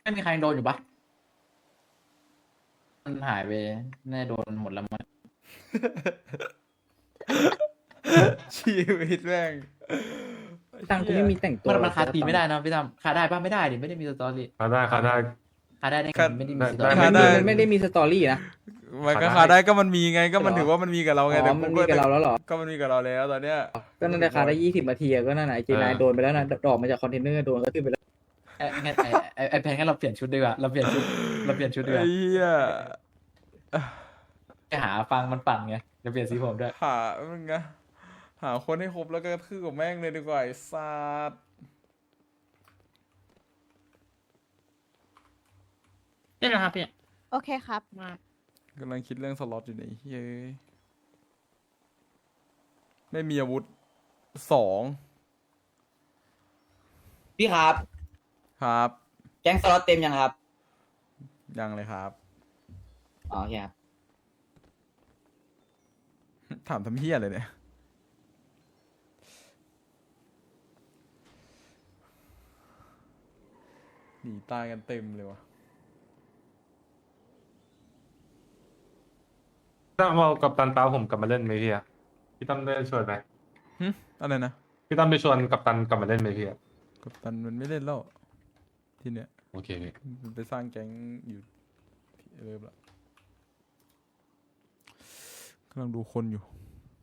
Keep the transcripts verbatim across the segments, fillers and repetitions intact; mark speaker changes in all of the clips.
Speaker 1: ไม่มีใครโดนอยู่ปะมันหายไปแน่โดนหมดแล้วมั้ง
Speaker 2: ชีวิตแม่ง
Speaker 3: ตังค์กูไม่มีแต่งตัว
Speaker 1: มันมันคาตี
Speaker 3: จะ
Speaker 1: ไม่ได้นะพี่ตั้มคาได้ปะไม่ได้ดิไม่ได้มีสตอรี่
Speaker 4: เขาได้เขาได้
Speaker 1: คาได้ได้ไง
Speaker 2: คา
Speaker 1: ไม่ได้มีสตอ
Speaker 4: ได้
Speaker 1: รี่
Speaker 2: คา
Speaker 3: มัน
Speaker 2: ได้
Speaker 3: มันไม่ได้มีสตอรี่นะ
Speaker 2: มันก็
Speaker 4: ขา
Speaker 2: ขา
Speaker 4: ได้
Speaker 2: ได้ก็มันมีไงก็มัน
Speaker 3: เหรอ
Speaker 2: ถือว่ามันมีกับเราไง
Speaker 3: อ๋
Speaker 2: แต่
Speaker 3: อมันมีกับเราแล้วเหรอ
Speaker 2: ก็มันมีกับเราแล้วตอนเนี้ย
Speaker 3: ก็นั่นแหละคาได้ยี่สิบนาทีอะก็นั่นน่ะไอเจนายโดนไปแล้วนะดอกมาจากคอนเทนเนอร์โดนก็ขึ้นไปแล้ว
Speaker 1: ไอ้งั้นไอ้ไอ้ไอ้แพนงั้นเราเปลี่ยนชุดดีกว่าเราเปลี่ยนชุดเราเปลี่ยนชุดดีก
Speaker 2: ไอ้
Speaker 1: ว่า
Speaker 2: เหี้ย
Speaker 1: ไปหาฟังมันปั่นไงจะเปลี่ยนสีผมด้วย
Speaker 2: หามึงอะหาคนให้ครบแล้วก็กระทืบกับแม่งเลยดีกว่าไอ้สัส
Speaker 5: ได้แล้วครับพี่
Speaker 6: โอเคครับ
Speaker 5: มาก
Speaker 2: ำลังคิดเรื่องสล็อตอยู่ในเฮ้ยไม่มีอาวุธสอง
Speaker 7: พี่ครับ
Speaker 2: ครับ
Speaker 7: แก๊งสล็อตเต็มยังครับ
Speaker 2: ยังเลยครับ
Speaker 7: อ๋อโอเคครับ
Speaker 2: ถามทำเฮียเลยเนี่ยหนีตายกันเต็มเลยวะ
Speaker 4: ถ้าเอากับตันเปาผมกลับมาเล่นไหมพี่อะพี่ตั้มได้ชวนไหม
Speaker 2: หึอะไรนะ
Speaker 4: พี่ตั้มไปชวนกับตันกลับมาเล่นไหมพี่อะ
Speaker 2: กัปตันมันไม่เล่นแล้วทีเนี้ย
Speaker 4: โอเคพี่
Speaker 2: มันไปสร้างแก๊งอยู่ที่เริ่มละกำลังดูคนอยู่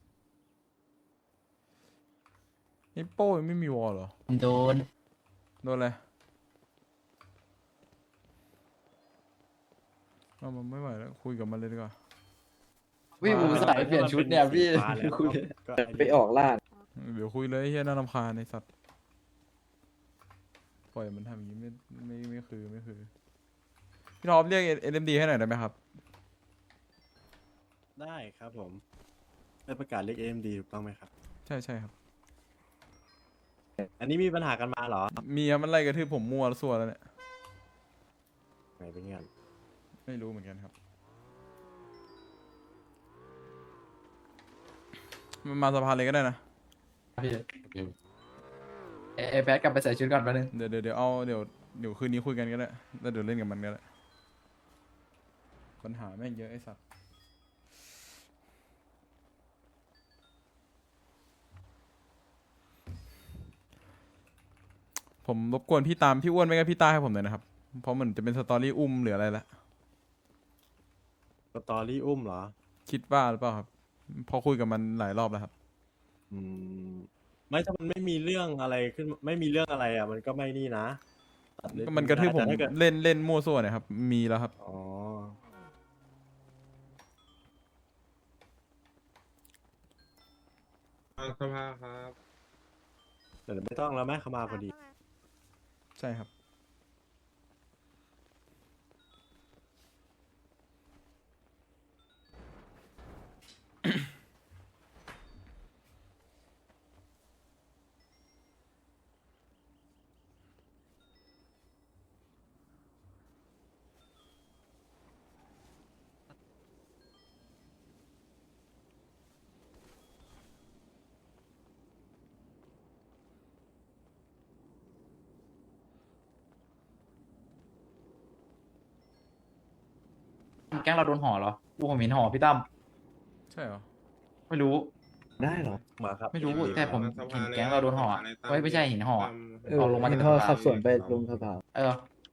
Speaker 2: ไอ้โป้ยังไม่มีวอลเหรอ
Speaker 1: โดน
Speaker 2: โดนอะไรเอามันไม่ไหวแล้วคุยกับมันเลยดีกว่า
Speaker 1: พี่ผมใส่เปลี่ยนชุดเนี่ยพี่คุย
Speaker 3: ไปออกล่า
Speaker 2: เดี๋ยวคุยเลยไอ้เฮียน่ารำคาญในสัตว์ปล่อยมันทำอย่างนี้ไม่ไม่ไม่คือไม่คือพี่ท็อปเรียกเอ็มดีให้หน่อยได้ไหมครับ
Speaker 8: ได้ครับผมได้ประกาศเรียก เอ็ม ดี ถูกต้องไหมครับ
Speaker 2: ใช่ใช่ครับ
Speaker 8: อันนี้มีปัญหากันมาเหรอ
Speaker 2: มีครับมันไล่กระทืบผมมั่วแล้วส่วแล้วเนี่ย
Speaker 8: ไหนเป็นเงี้ย
Speaker 2: ไม่รู้เหมือนกันครับมันมาสะพานเลยก็ได้นะ
Speaker 1: พี่
Speaker 4: โอเค
Speaker 1: ไอ้ไอ้แพทกลับไปใส่ชุดก่อนแป๊บนึง
Speaker 2: เดี๋ยวเดี๋ยวเดี๋ยวเอาเดี๋ยวเดี๋ยวคืนนี้คุยกันก็ได้แล้วเดี๋ยวเล่นกับมันก็ได้ปัญหาแม่งเยอะไอ้สัสผมรบกวนพี่ตามพี่อ้วนไม่ก็พี่ต้าให้ผมหน่อยนะครับ เพราะเหมือนจะเป็นสตอรี่อุ้มหรืออะไรละ
Speaker 8: สตอรี่อุ้มเหรอ
Speaker 2: คิดว่าหรือเปล่าครับพอคุยกับมันหลายรอบแล้วครับ
Speaker 8: อืม ไม่ถ้ามันไม่มีเรื่องอะไรขึ้น ไม่มีเรื่องอะไรอ่ะ มันก็ไม่นี่นะตัดเล่
Speaker 2: ก็มันกระทืบผม
Speaker 8: แต่ถ้าเกิด
Speaker 2: เล่นเล่นมั่วซั่วเนี่ยครับมีแล้วครับ
Speaker 8: อ๋อ
Speaker 4: สภาครับ
Speaker 8: แต่ไม่ต้องแล้วแม่เขามาพอดี
Speaker 2: ใช่ครับ
Speaker 1: แก๊งเราโดนห่อเหรอกูผมเห็นห่อพี่ตั้ม
Speaker 2: ใช่เหรอ
Speaker 1: ไม่รู้
Speaker 3: ได้เหรอ
Speaker 8: มาครับ
Speaker 1: ไม่รู้แต่ผมเห็นแก๊งเราโดนห่ออะเฮ้ยไม่ใช่เห็นห่ออะ
Speaker 3: เออ
Speaker 1: เอาลงมาจาก
Speaker 3: ท่อ
Speaker 1: สะพาน
Speaker 3: ขับสวนไปลงสะพาน
Speaker 1: เออ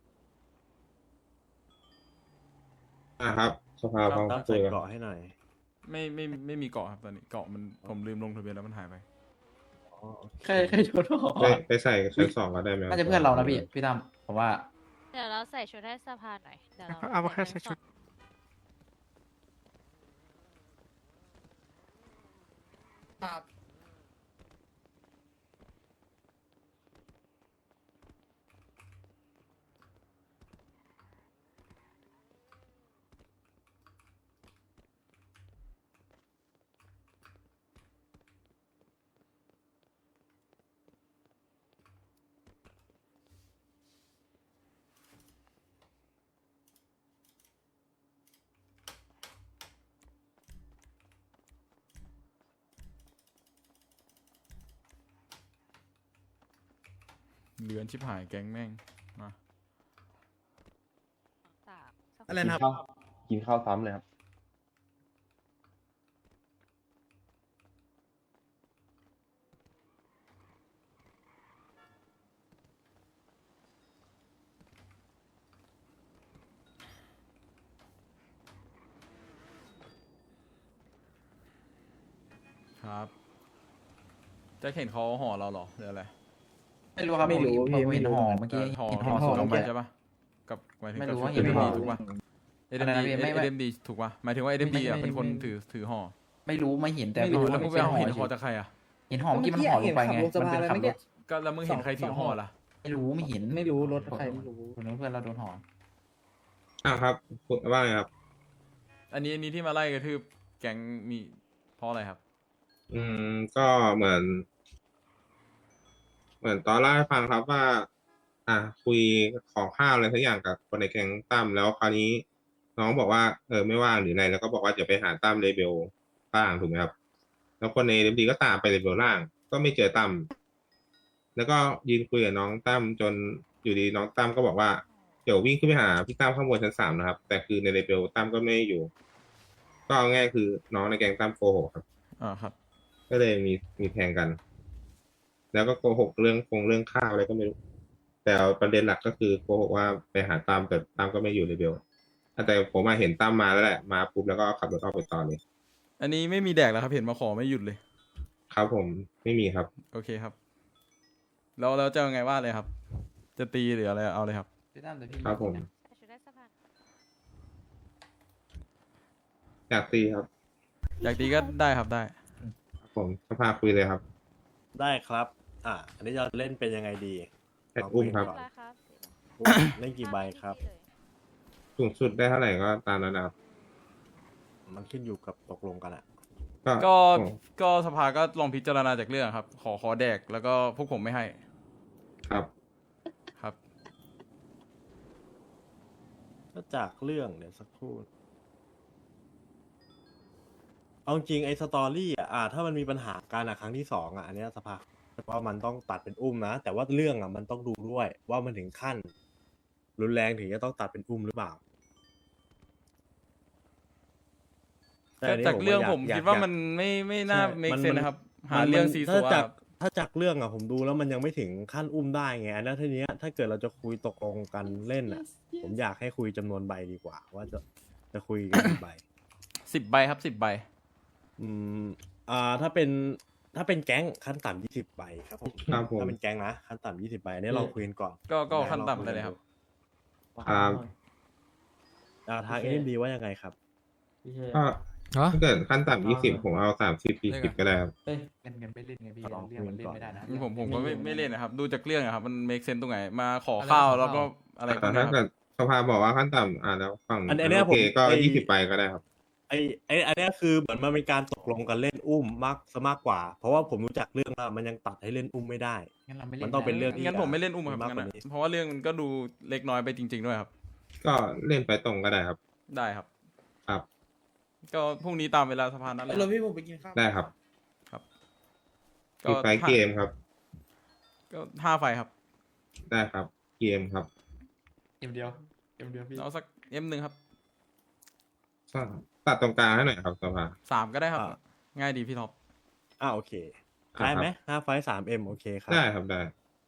Speaker 4: อ่าครับสภาพร้อม
Speaker 8: ตั้ง
Speaker 4: คุ
Speaker 8: ใส่
Speaker 4: ยกัน
Speaker 8: เกาะให้หน่อย
Speaker 2: ไม่ไม่ไม่มีเกาะครับตอนนี้เกาะมันผมลืมลงทะเบียนแล้วมันหายไป
Speaker 8: อ๋อโอเค
Speaker 1: ใครใครโดนห่อ
Speaker 4: ไปไปใส่ชั้นสองก็ได้ไหม
Speaker 1: น่าจะเพื่อนเรานะพี่พี่ตั้มผมว่า
Speaker 6: เดี๋ยวเราใส่ชุดให้สภาหน่อย เดี๋ยวเรา
Speaker 5: เอามาแค่ใส่ชุด
Speaker 2: เหลือนชิบหายแก๊งแม่งมา
Speaker 8: อะไร
Speaker 9: กิน
Speaker 8: นะครับ
Speaker 9: ข้าวกินข้าวซ้ำเลยครับ
Speaker 2: ครับแจะเห็นเขาห่อเราเหรอหรืออะไร
Speaker 1: ไม่รู้ครับ
Speaker 3: ไม่รู้
Speaker 1: ผม
Speaker 3: พี่
Speaker 1: ผม
Speaker 3: ไม่
Speaker 1: เห็น
Speaker 3: รู้
Speaker 1: ห่อ
Speaker 3: เหมือนกัน
Speaker 1: เมื่อกี้
Speaker 2: ห่อ
Speaker 1: เห็น
Speaker 2: ห่
Speaker 1: ห่
Speaker 2: อ
Speaker 1: อ
Speaker 2: สู
Speaker 1: สู
Speaker 2: ต
Speaker 1: ง
Speaker 2: ร
Speaker 1: ออก
Speaker 2: ไป
Speaker 1: มา
Speaker 2: ใช่ปะกับหมายถึง
Speaker 1: ไม่
Speaker 2: กับ
Speaker 1: รู้
Speaker 2: ชุด
Speaker 1: ว่า
Speaker 2: เอ
Speaker 1: เห็น
Speaker 2: เดม
Speaker 1: ห่
Speaker 2: ดี
Speaker 1: อ
Speaker 2: ถูกปะเอ
Speaker 1: อั
Speaker 2: เด
Speaker 1: น
Speaker 2: ม
Speaker 1: นั้น
Speaker 2: ดี
Speaker 1: ไม่
Speaker 2: เอ
Speaker 1: ไม่
Speaker 2: เดมดีถูกปะหมายถึงว่าเอเดม
Speaker 1: ไม่
Speaker 2: ดีอ่ะ
Speaker 1: ไม่
Speaker 2: เป็นคน
Speaker 1: ไม่
Speaker 2: ถือถือห่อ
Speaker 1: ไม่รู้ไม่เห็นแต่
Speaker 3: ไม่รู้
Speaker 2: แล้วมึงไปเอาเห็นห่อจากใครอ่ะ
Speaker 1: เห็นห่อเมื่อกี้มันห่อลงไปไง
Speaker 3: เห็นขับลงสะ
Speaker 1: มัน
Speaker 3: พาน
Speaker 1: เป็น
Speaker 3: เลย
Speaker 1: ขับ
Speaker 3: เมื่อ
Speaker 1: ร
Speaker 3: กี้
Speaker 1: ถ
Speaker 2: ก็แล้วมึงเห็นใครถือห่อล่ะ
Speaker 1: ไม่รู้ไม่เห็น
Speaker 3: ไม่รู้รถใครไม่รู้
Speaker 1: คนนั้นเพื่อนเราโดนห่อ
Speaker 9: อ่าครับคุณว่าไงครับ
Speaker 2: อันนี้อันนี้ที่มาไล่กระทืบแก๊งมีเพราะอะไรครับ
Speaker 9: อืมก็เหมือน เหมือนตอนเล่าให้ฟังครับว่า อ่า คุยขอข้าวอะไรสักอย่างกับคนในแก๊งตั้มแล้วคราวนี้ น้องบอกว่าเออไม่ว่างหรืออะไรแล้วก็บอกว่าจะไปหาตั้มเลเบลล่างถูกไหมครับ แล้วคนในเดมดีก็ตามไปเลเบลล่าง ก็ไม่เจอตั้มแล้วก็ยืนคุยกับน้องตั้มจนอยู่ดีน้องตั้มก็บอกว่าเดี๋ยววิ่งขึ้นไปหาพี่ตั้มข้างบนชั้นสามนะครับ แต่คือในเลเบลตั้มก็ไม่อยู่ ก็เอาง่ายคือน้องในแก๊งตั้มโกหกครับ
Speaker 2: อ่าครับ
Speaker 9: ก็เลยมีมีแทงกัน แล้วก็โกหกเรื่องคงเรื่องข้าวอะไรก็ไม่รู้ แต่เอาประเด็นหลักก็คือโกหกว่าไปหาตั้มแต่ตั้มก็ไม่อยู่เลเบลแต่ผมมาเห็นตั้มมาแล้วแหละมาปุ๊บแล้วก็ขับรถออกไปต่อเลย
Speaker 2: อันนี้ไม่มีแดกแล้วครับเห็นมาขอไม่หยุดเลย
Speaker 9: ครับผมไม่มีครับ
Speaker 2: โอเคครับแล้วแล้วจะยังไงว่าเลยครับ จะตีหรืออะไรเอาเลยครับ
Speaker 1: พี่ตั้มแต่พี่
Speaker 9: ครับผม
Speaker 6: ใส่ชุดได้สะพาน
Speaker 9: อยากตีครับ
Speaker 2: อยากตีก็ได้ครับได้
Speaker 9: ครับผมสภาคุยเลยครับ
Speaker 8: ได้ครับ อ่า อันนี้จะเล่นเป็นยังไงดี
Speaker 9: แอดอุ้มครับ
Speaker 8: ลง
Speaker 6: อะไรครับ
Speaker 8: คุยกันก่อนเล่นกี่ใบครับ
Speaker 9: สูงสุดได้เท่าไหร่ก็ตามนั้นนะครับ
Speaker 8: มันขึ้นอยู่กับตกลงกันอะ
Speaker 2: ก็
Speaker 9: ผม
Speaker 2: ก็สภาก็ลองพิจารณาจากเรื่องครับ ขอขอแดกแล้วก็พวกผมไม่ให้
Speaker 9: ครับ
Speaker 2: ครับ
Speaker 8: ก็จากเรื่องเดี๋ยวสักครู่ เอาจริงไอ้สตอรี่อ่ะอ่า ถ้ามันมีปัญหาการอ่ะครั้งที่สองอ่ะอันเนี้ยสภาว่ามันต้องตัดเป็นอุ้มนะ แต่ว่าเรื่องอ่ะมันต้องดูด้วย ว่ามันถึงขั้น รุนแรงถึงจะต้องตัดเป็นอุ้มหรือเปล่า
Speaker 2: แต่จากเรื่องผมคิดว่ามันไม่ไม่น่า make sense นะครับ หาเรื่องซีซั
Speaker 8: ถ้าว จาก
Speaker 2: ครับ
Speaker 8: ถ้าจากเรื่องอ่ะผมดูแล้วมันยังไม่ถึงขั้นอุ้มได้ไงอันนั้นทีเนี้ยถ้าเกิดเราจะคุยตกลงกันเล่นอ่ะ ผมอยากให้คุยจำนวนใบดีกว่า ว่าจะจะคุยกันกี่ใบ
Speaker 2: สิบใบครับสิบใบ
Speaker 8: อืมอ่าถ้าเป็นถ้าเป็นแก๊งขั้นต่ำยี่สิบใบครับผม
Speaker 9: ครับผม
Speaker 8: ถ้าเป็นแก๊งนะขั้นต่ำยี่สิบใบอันนี้เราคุยกันก่อน
Speaker 2: ก็ก็ขั้นต่ำได้เลยครับ
Speaker 9: ครับ
Speaker 8: อ่าทางเอ็มดีว่ายังไงครับ
Speaker 9: ก็
Speaker 1: ฮะ
Speaker 9: ถ้าเกิดขั้นต่ำยี่สิบผมเอาสามสิบสี่สิบก็ได้ครับ
Speaker 1: เอ้ยเล่นกันไม่เล่นไงพี่
Speaker 8: ลอง
Speaker 1: เรื่องมันเล่นไม่ได้นะ
Speaker 2: ผมผมก็ไม่ไม่เล่นนะครับ ดูจากเรื่องอะครับ มัน make sense ตรงไหน มาขอข้าวแล้วก็อะไรพว
Speaker 9: แต่
Speaker 2: กเนี้
Speaker 9: ถ้าย
Speaker 2: ค
Speaker 9: เกิ
Speaker 2: รับ
Speaker 9: ดสภาบอกว่าขั้นต่ำอ่าแล้วฝั่ง
Speaker 8: อันอันเนี้ย
Speaker 9: โอเค
Speaker 8: ผม
Speaker 9: ก็
Speaker 8: ไอ้
Speaker 9: ยี่สิบใบก็ได้ครับ
Speaker 8: ไอไออันเนี้ยคือเหมือนมันเป็นการตกลงกันเล่นอุ้มมากซะมากกว่า เพราะว่าผมรู้จักเรื่องแล้วมันยังตัดให้เล่นอุ้มไม่ได้
Speaker 1: งั้นเราไม่เล่น
Speaker 8: มันต้องเป็นเรื่อง
Speaker 2: งั้นผมไม่เล่นอุ้มครับ
Speaker 8: มากก
Speaker 2: งั้น
Speaker 8: ว่า
Speaker 2: อะ
Speaker 8: นี้
Speaker 2: เพราะว่าเรื่องมันก็ดูเล็กน้อยไปจริง ๆ ด้วยครับ
Speaker 9: ก็เล่นไปตรงก็ได้ครับ
Speaker 2: ได้ครับ
Speaker 9: ครับ
Speaker 2: ก็พรุ่งนี้ตามเวลาสภานั้นเลย
Speaker 3: เราพี่ผมไปกินข้าว
Speaker 9: ได้ครับ
Speaker 2: ครับ
Speaker 9: อีกไฟล์เกมครับ
Speaker 2: ก็ห้าไฟครับ
Speaker 9: ได้ครับ เกมครับ
Speaker 1: เกมเดียวเกมเดียวพี่
Speaker 2: เอาสักเอ็มหนึ่งครับ
Speaker 9: ตัดตรงกลางให้หน่อยครับสภา
Speaker 2: สามก็ได้ครับ
Speaker 8: อ่า
Speaker 2: ง่ายดีพี่ท็อป
Speaker 8: อ่าโอเค
Speaker 9: ครับ
Speaker 8: ได้ไหมห้าไฟสามเอ็มโอเคครับ
Speaker 9: ได้ครับได้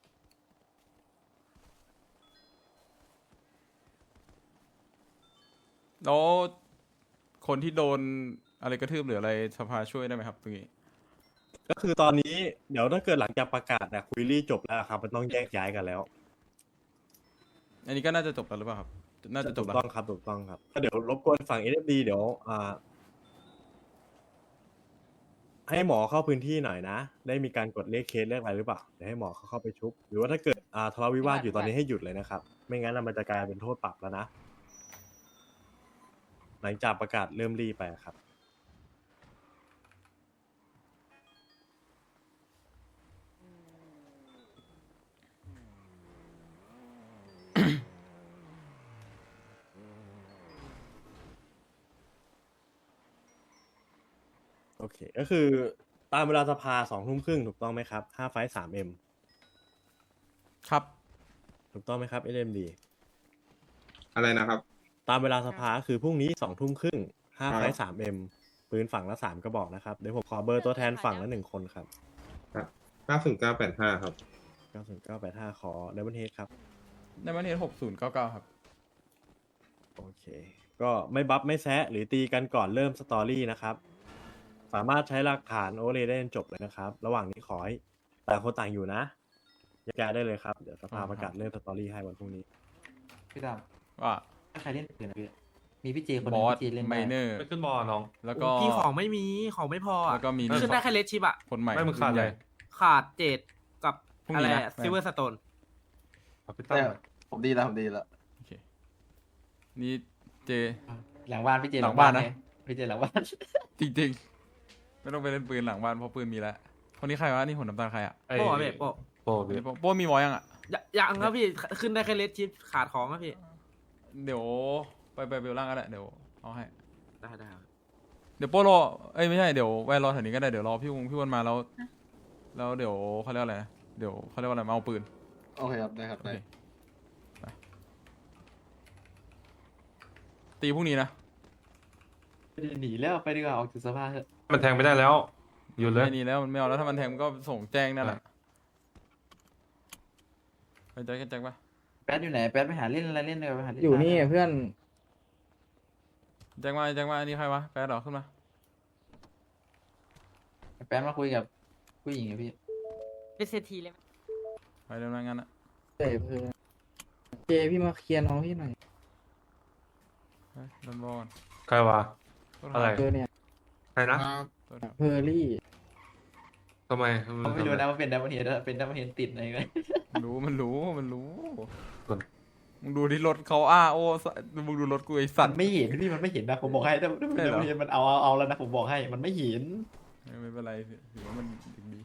Speaker 2: แล้วคนที่โดนอะไรกระทืบหรืออะไรสภาช่วยได้ไหมครับตรงนี้
Speaker 8: ก็คือตอนนี้เดี๋ยวถ้าเกิดหลังจากประกาศนะคุยรี่จบแล้วครับมันต้องแยกย้ายกันแล้ว
Speaker 2: อันนี้ก็น่าจะจบแล้วหรือเปล่าครับ น่าจะจบ
Speaker 8: ถู
Speaker 2: แล้
Speaker 8: ก
Speaker 2: ว
Speaker 8: ต้องครับถูกต้องครับก็เดี๋ยวรบกวนฝั่งเอ d ดีเดี๋ยวอ่า ให้หมอเข้าพื้นที่หน่อยนะ ได้มีการกดเลขเคสเลขอะไรหรือเปล่าเดี๋ยวให้หมอเขาเข้าไปชุบ หรือว่าถ้าเกิดอ่าทะเลาะวิวาทอยู่ตอนนี้ให้หยุดเลยนะครับ ไม่งั้นน่ะมันจะกลายเป็นโทษปรับแล้วนะ หลังจากประกาศเริ่มรีไปอะครับ โอเค ก็คือตามเวลาสภาสองทุ่มครึ่งถูกต้องไหมครับห้าไฟสามเอ็ม
Speaker 2: ครับ
Speaker 8: ถูกต้องไหมครับเอ็มดี
Speaker 9: อะไรนะครับ
Speaker 8: ตามเวลาสภาคือพรุ่งนี้สองทุ่มครึ่งห้า
Speaker 9: ครับ
Speaker 8: ไฟสามเอ็มปืนฝั่งละสามกระบอกนะครับ เดี๋ยวผมขอเบอร์ตัวแทนฝั่งละหนึ่งคนครับ
Speaker 9: เก้าศูนย์เก้าแปดห้าครับ
Speaker 8: เก้าศูนย์เก้าแปดห้าขอเดบันเฮดครับ
Speaker 2: ในวันนี้หกศูนย์เก้าเก้าครับ
Speaker 8: โอเค ก็ไม่บัฟไม่แซะหรือตีกันก่อนเริ่มสตอรี่นะครับ สามารถใช้หลักฐานโอเวอร์เลย์ได้จนจบเลยนะครับ ระหว่างนี้ขอให้ต่างคนต่างอยู่นะแยกย้ายได้เลยครับ เดี๋ยวสภาประกาศเริ่มสตอรี่ให้วันพรุ่งนี้
Speaker 1: พี่ด
Speaker 2: ว่า
Speaker 1: ำถ้าใครเล่นปืนนะพี่มีพี่เจคนห
Speaker 2: บ
Speaker 1: นึง
Speaker 2: อส
Speaker 1: พี่เจเล่น
Speaker 2: ไม
Speaker 1: ได้
Speaker 2: เนอร์
Speaker 4: ไม่ขึ้นบอลน้อง
Speaker 2: แล้วก็
Speaker 10: พี่ของไม่มีของไม่พอ
Speaker 2: แล้
Speaker 10: อ่ะ
Speaker 2: วก็มี
Speaker 10: ขึ้นได้แค่เลสชิปอ่ะ
Speaker 2: คนใหม่
Speaker 4: ไม่มึงขาด
Speaker 2: รุ่น
Speaker 4: อะไร
Speaker 2: ใหญ่
Speaker 10: ขาดเจดกับ
Speaker 2: พรุ่ง
Speaker 10: อะ
Speaker 2: นี้
Speaker 10: ไร
Speaker 2: นะ
Speaker 10: ซิลเวอร์สโตน
Speaker 4: เอาพี่ตั้ม
Speaker 1: ผมดีแล้วผมดีแล้ว
Speaker 2: โอเคนี่เจ
Speaker 1: หลังบ้านพี่เจ
Speaker 2: หลังบ้านนะ
Speaker 1: ไงพี่เจหลังบ้าน
Speaker 2: จริงๆ ไม่ต้องไปเล่นปืนหลังบ้านเพราะปืนมีแล้ว คนนี้ใครวะนี่หุ่นน้ำตาลใครอ่ะ
Speaker 4: ไอ้
Speaker 10: โป้อะพี่โป้
Speaker 4: โป้
Speaker 2: คน
Speaker 4: พี่
Speaker 2: นี้โป้โป้มีวอยังอ่ะ
Speaker 10: อย่ายังครับพี่ขึ้นได้แค่เลสชิปขาดของครับพี่
Speaker 2: เดี๋ยวไปไปเบลล่างก็ได้เดี๋ยวเอาให้
Speaker 10: ได้ได้ครับ
Speaker 2: เดี๋ยวโป้รอเอ้ยไม่ใช่เดี๋ยวแวะรอแถวนี้ก็ได้เดี๋ยวรอพี่วงพี่วันมาแล้ว แล้วเดี๋ยวเขาเรียกว่าอะไรนะเดี๋ยวเขาเรียกว่าอะไรมาเอาปืน
Speaker 1: โอเคครับได้ครับ
Speaker 2: โอเคไปตีพรุ่งนี้นะ
Speaker 1: หนีแล้วไปดีกว่าออกจากสภาเถอะ
Speaker 4: มันแทงไม่ได้แล้วหยุดเลย
Speaker 2: ไม่นี่แล้วมันไม่เอาแล้วถ้ามันแทงมันก็ส่งแจ้งนั่นแหละไปแจ็คแจ็คปะ
Speaker 1: แป๊ดอยู่ไหนแป๊ดไปหาเล่นอะไรเล่นเลยไปหาเล่น
Speaker 3: อยู่นี่เพื่อน
Speaker 2: แจ็คมาแจ็คมาอันนี้ใครวะแป๊ดเหรอขึ้นมา
Speaker 1: แป๊ดมาคุยกับผู้หญิงอะพี่
Speaker 5: เป็นเศรษฐีเลยไหม
Speaker 2: ไปเดี๋ยวนั้นงั้นอะ
Speaker 3: เจเพื่อนเจพี่มาเคลียร์น้องพี่หน่อย
Speaker 2: ไปโดนบอลก่อน
Speaker 4: ใครวะ อะไร
Speaker 3: เจอเนี่ย
Speaker 4: ใครนะ
Speaker 3: เพอร์รี่
Speaker 4: ทำไม
Speaker 1: เขาไม่รู้นะว่าเป็นดับเบิลเฮดเป็นดับเบิลเฮดติดอะไรกัน
Speaker 2: มันรู้มันรู้มันรู้มึงดูที่รถเขาอ้าโอ้สมึงดูรถกูไอสั
Speaker 1: สั
Speaker 2: ต
Speaker 1: น
Speaker 2: ว์
Speaker 1: ไม่เห็นพี่มันไม่เห็นนะผมบอกให้ดับเบิล
Speaker 2: ใช่เหรอ
Speaker 1: เฮดมันเอาเอาเอาแล้วนะผมบอกให้มันไม่เห็น
Speaker 2: ไม่เป็นไรถือว่ามันถึงดี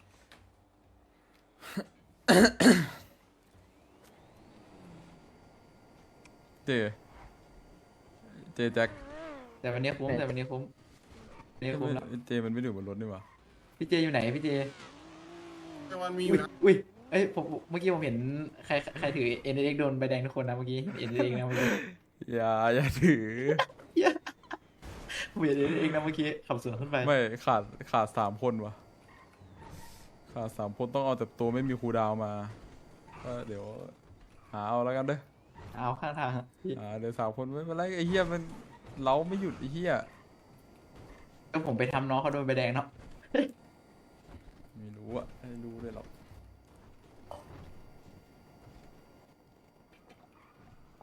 Speaker 2: เจ เจแจ็ค
Speaker 1: แต่วันนี้คุ้มแต่วันนี้คุ้มวันนี้คุ้มแล้ว
Speaker 2: เจมันไม่ได้อยู่บนรถนี่หว่า
Speaker 1: พี่เจอยู่ไหนพี่เจ
Speaker 9: มันมี
Speaker 1: อุ้ยอุ้ยเอ้ยผมเมื่อกี้ผมเห็นใครใครถือเอ็นเอ็กโดนใบแดงทุกคนนะเมื่อกี้เอ็นเอ็กนะเมื่อกี้
Speaker 2: อย่าอย่าถือ
Speaker 1: ผมเห็นเอ็นเอ็กนะเมื่อกี้ขับสวนขึ้นไป
Speaker 2: ไม่ขาดขาดสามคนว่ะ ขาดสามคนต้องเอาแต่ตัวไม่มีครูดาวมาก็เดี๋ยว หาเอาแล้วกันเด้อ
Speaker 1: เอาข้างทางอะพี่
Speaker 2: อ่าเดี๋ยวสามคนไม่เป็นไรไอ้เหี้ยมันเล้าไม่หยุดไอ้เหี้ย
Speaker 1: ก็ผมไปทำน้องเขาโดนใบแดงเนาะ
Speaker 2: ไม่รู้อะไม่รู้เลยหรอก